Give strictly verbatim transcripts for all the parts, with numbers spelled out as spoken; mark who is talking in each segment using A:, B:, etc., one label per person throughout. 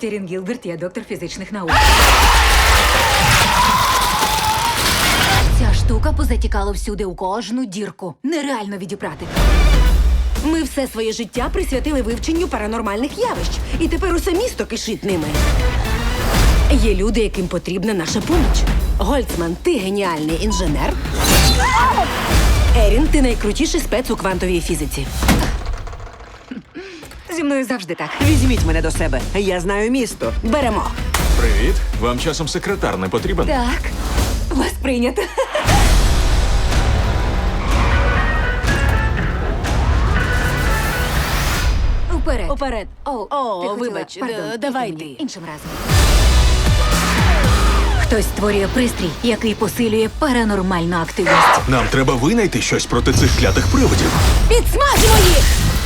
A: Кетерін Гілберт, я доктор фізичних наук. Ця штука позатікала всюди у кожну дірку. Нереально відіпрати.
B: Ми все своє життя присвятили вивченню паранормальних явищ. І тепер усе місто кишить ними. Є люди, яким потрібна наша поміч. Гольцман, ти геніальний інженер. Ерін, ти найкрутіший спец у квантовій фізиці.
A: Зі мною завжди так.
C: Візьміть мене до себе. Я знаю місто.
B: Беремо.
D: Привіт. Вам часом секретар не потрібен?
A: Так. Вас прийнято. Вперед.
B: Уперед.
A: О,
B: О,
A: ти хотіла-
B: вибач,
A: Пардон,
B: е, давай
A: тільки мені.
B: ти.
A: Іншим разом. Хтось створює пристрій, який посилює паранормальну активність.
D: Нам треба винайти щось проти цих клятих привидів.
B: Підсмажимо їх!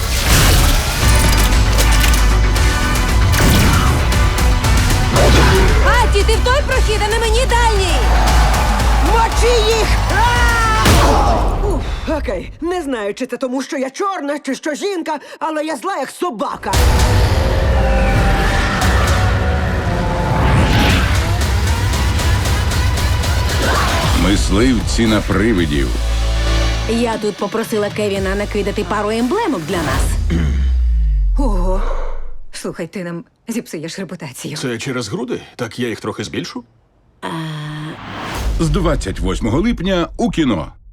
B: Аті, ти в той прохід, а не мені дальній!
C: Мочи їх! Уф, Окей, не знаю, чи це тому, що я чорна, чи що жінка, але я зла, як собака.
E: Мисливці на привидів.
B: Я тут попросила Кевіна накидати пару емблемок для нас.
A: Ого. Слухай, ти нам зіпсуєш репутацію.
D: Це через груди? Так я їх трохи збільшу?
E: З двадцять восьмого липня у кіно.